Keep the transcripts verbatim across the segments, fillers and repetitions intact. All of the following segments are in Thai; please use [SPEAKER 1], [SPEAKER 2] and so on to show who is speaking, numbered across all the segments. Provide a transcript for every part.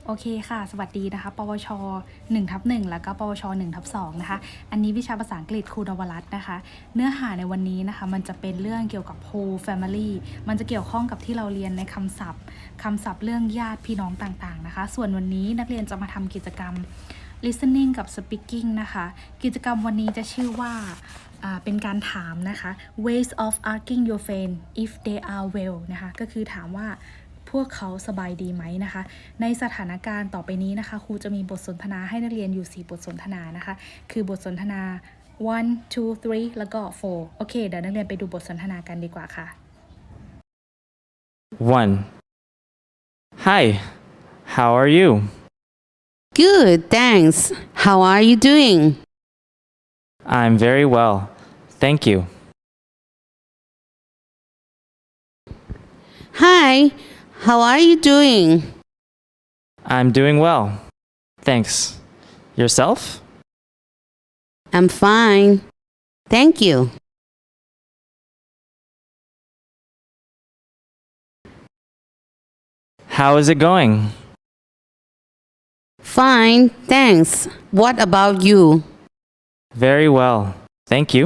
[SPEAKER 1] โอเคค่ะ สวัสดีนะคะ ปวชหนึ่งทับหนึ่งแล้วก็ปวชหนึ่งทับสองนะคะ อันนี้วิชาภาษาอังกฤษครูนวรัตน์นะคะ เนื้อหาในวันนี้นะคะ มันจะเป็นเรื่องเกี่ยวกับ whole family มันจะเกี่ยวข้องกับที่เราเรียนในคำศัพท์คำศัพท์เรื่องญาติพี่น้องต่างๆนะคะ ส่วนวันนี้นักเรียนจะมาทำกิจกรรม listening กับ speaking นะคะ กิจกรรมวันนี้จะชื่อว่าเป็นการถามนะคะ ways of asking your friend if they are well นะคะ ก็คือถามว่าพวกเขาสบายดีไหมนะคะ ในสถานการณ์ต่อไปนี้นะคะครูจะมีบทสนทนาให้นักเรียนอยู่สี่บทสนทนานะคะ คือบทสนทนา one two three แล้วก็ four โอเคเดี๋ยวนักเรียนไปดูบทสนทนากันดีกว่าค่ะ
[SPEAKER 2] one. Hi, how are you?
[SPEAKER 3] Good, thanks. How are you doing?
[SPEAKER 2] I'm very well, thank you.
[SPEAKER 3] Hi, how are you doing?
[SPEAKER 2] I'm doing well, thanks. Yourself?
[SPEAKER 3] I'm fine. Thank you.
[SPEAKER 2] How is it going?
[SPEAKER 3] Fine, thanks. What about you?
[SPEAKER 2] Very well, thank you.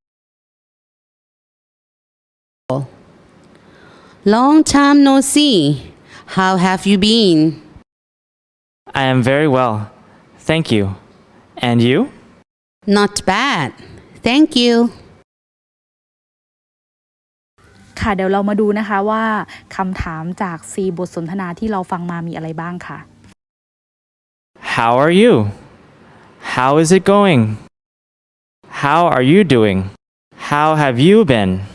[SPEAKER 3] Long time no see. How have you been?
[SPEAKER 2] I am very well, thank you. And you?
[SPEAKER 3] Not bad. Thank you.
[SPEAKER 1] ค่ะเดี๋ยวเรามาดูนะคะว่าคำถามจากสี่บทสนทนาที่เราฟังมามีอะไรบ้างค่ะ
[SPEAKER 2] How are you? How is it going? How are you doing? How have you been?